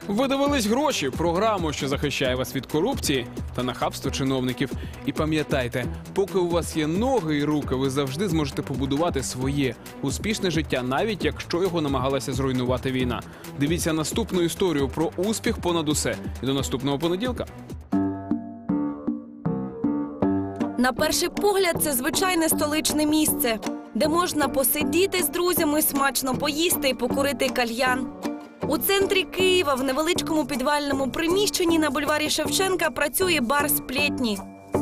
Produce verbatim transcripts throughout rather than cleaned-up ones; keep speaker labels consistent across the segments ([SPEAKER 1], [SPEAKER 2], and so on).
[SPEAKER 1] Ви дивились «Гроші» – програму, що захищає вас від корупції та нахабства чиновників. І пам'ятайте, поки у вас є ноги і руки, ви завжди зможете побудувати своє успішне життя, навіть якщо його намагалася зруйнувати війна. Дивіться наступну історію про успіх понад усе. І до наступного понеділка.
[SPEAKER 2] На перший погляд, це звичайне столичне місце, де можна посидіти з друзями, смачно поїсти і покурити кальян. У центрі Києва, в невеличкому підвальному приміщенні на бульварі Шевченка працює бар «Сплетні».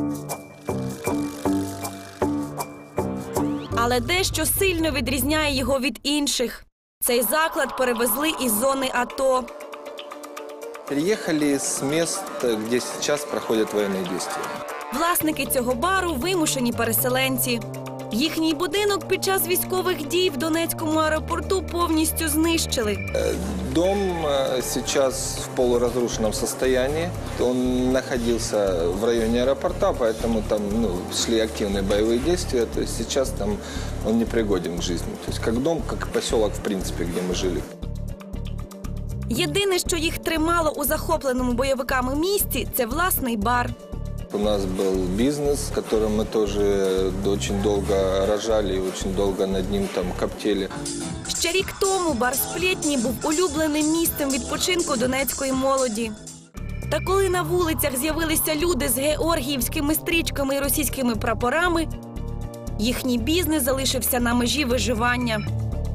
[SPEAKER 2] Але дещо сильно відрізняє його від інших. Цей заклад перевезли із зони АТО.
[SPEAKER 3] Приїхали з міст, де зараз проходять воєнні дії.
[SPEAKER 2] Власники цього бару – вимушені переселенці. Їхній будинок під час військових дій в Донецькому аеропорту повністю знищили.
[SPEAKER 3] Дом сейчас в полуразрушенном состоянии. Он находился в районе аэропорта, поэтому там ну, шли активные боевые действия. То есть сейчас там он не пригоден к жизни. То есть как дом, как поселок, в принципе, где мы жили.
[SPEAKER 2] Єдине, що їх тримало у захопленому бойовиками місті – це власний бар.
[SPEAKER 3] У нас был бизнес, которым мы тоже очень долго рожали и очень долго над ним там коптили.
[SPEAKER 2] Ще рік тому бар «Сплетні» був улюбленим місцем відпочинку донецької молоді. Та коли на вулицях з'явилися люди з георгіївськими стрічками і російськими прапорами, їхній бізнес залишився на межі виживання.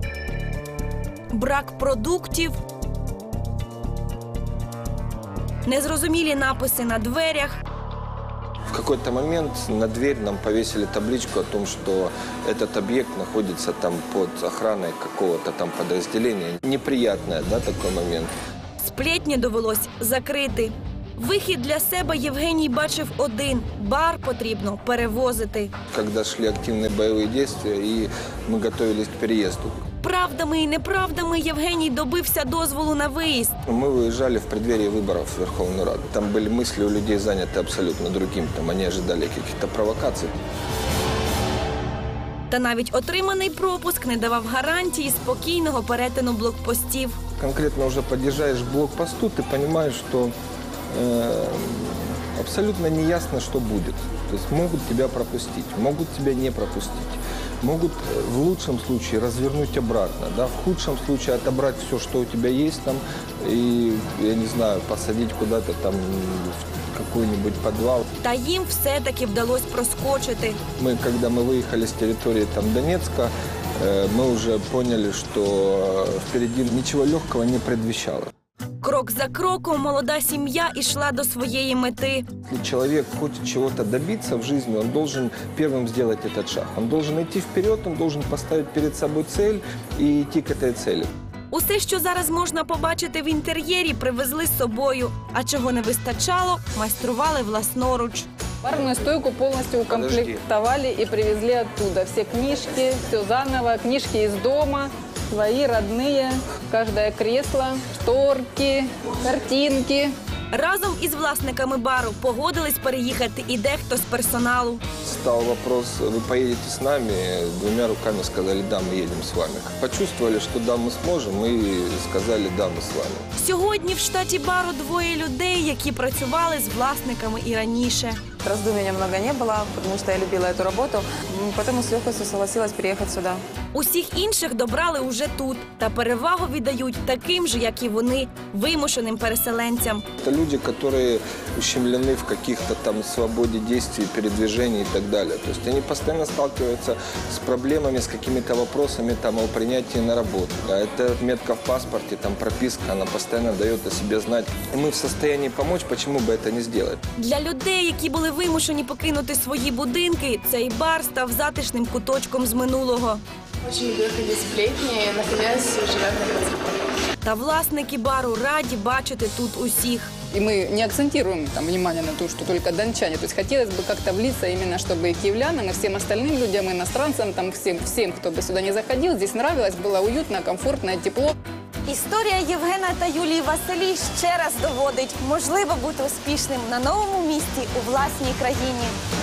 [SPEAKER 2] Брак продуктів, незрозумілі написи на дверях.
[SPEAKER 3] В какой-то момент на дверь нам повесили табличку о том, что этот объект находится там под охраной какого-то там подразделения. Неприятный, да, такой момент.
[SPEAKER 2] «Сплетні» довелось закрити. Вихід для себе Євгеній бачив один – бар потрібно перевозити.
[SPEAKER 3] Когда шли активные боевые действия, и мы готовились к переезду.
[SPEAKER 2] Правдами і неправдами Євгеній добився дозволу на виїзд.
[SPEAKER 3] Мы выезжали в преддверии выборов в Верховную Раду. Там были мысли у людей заняты абсолютно другим. Там они ожидали каких-то провокаций.
[SPEAKER 2] Та навіть отриманий пропуск не давав гарантії спокійного перетину блокпостів.
[SPEAKER 3] Конкретно уже подъезжаешь к блокпосту, ты понимаешь, что э, абсолютно неясно, что будет. То есть могут тебя пропустить, могут тебя не пропустить. Могут в лучшем случае развернуть обратно, да, в худшем случае отобрать все, что у тебя есть там, и, я не знаю, посадить куда-то там в какой-нибудь подвал.
[SPEAKER 2] Та їм все-таки вдалося проскочити.
[SPEAKER 3] Мы, когда мы выехали с территории там Донецка, э, мы уже поняли, что впереди ничего легкого не предвещало.
[SPEAKER 2] Крок за кроком молода сім'я йшла до своєї мети.
[SPEAKER 3] Если человек хочет чего-то добиться в жизни, он должен первым сделать этот шаг. Он должен идти вперед, он должен поставить перед собой цель и идти к этой цели.
[SPEAKER 2] Усе, що зараз можна побачити в інтер'єрі, привезли з собою. А чого не вистачало, майстрували власноруч.
[SPEAKER 4] Барную стойку полностью укомплектовали и привезли оттуда. Все книжки, все заново, книжки из дома, свои, родные, каждое кресло, шторки, картинки.
[SPEAKER 2] Разом із власниками бару погодились переїхати і дехто з персоналу.
[SPEAKER 3] Стал вопрос, вы поедете с нами? Двумя руками сказали, да, мы едем с вами. Почувствовали, что да, мы сможем, и сказали, да, мы с вами.
[SPEAKER 2] Сьогодні в штаті бару двоє людей, які працювали з власниками і раніше.
[SPEAKER 5] Раздумий немного не было, потому что я любила эту работу. Поэтому с легкостью согласилась переехать сюда.
[SPEAKER 2] Усіх інших добрали уже тут. Та перевагу віддають таким же, як і вони, вимушеним переселенцям.
[SPEAKER 3] Это люди, которые ущемлены в каких-то там свободе действий, передвижений и так далее. То есть они постоянно сталкиваются с проблемами, с какими-то вопросами там, о принятии на работу. А это метка в паспорте, там прописка, она постоянно дает о себе знать. И мы в состоянии помочь, почему бы это не сделать?
[SPEAKER 2] Для людей, які були вимушені покинути свої будинки, цей бар став затишним куточком з минулого.
[SPEAKER 6] Очень люблю ходить в Сплетни, и, наконец, живем на Катюкове.
[SPEAKER 2] Та власники бару раді бачити тут усіх.
[SPEAKER 4] И мы не акцентируем там внимание на то, что только дончане. То есть хотелось бы как-то влиться именно, чтобы и киевлянам, и всем остальным людям, и иностранцам, там всем, всем, кто бы сюда не заходил, здесь нравилось, было уютно, комфортно, тепло.
[SPEAKER 2] Історія Євгена та Юлії Василій ще раз доводить, можливо бути успішним на новому місці у власній країні.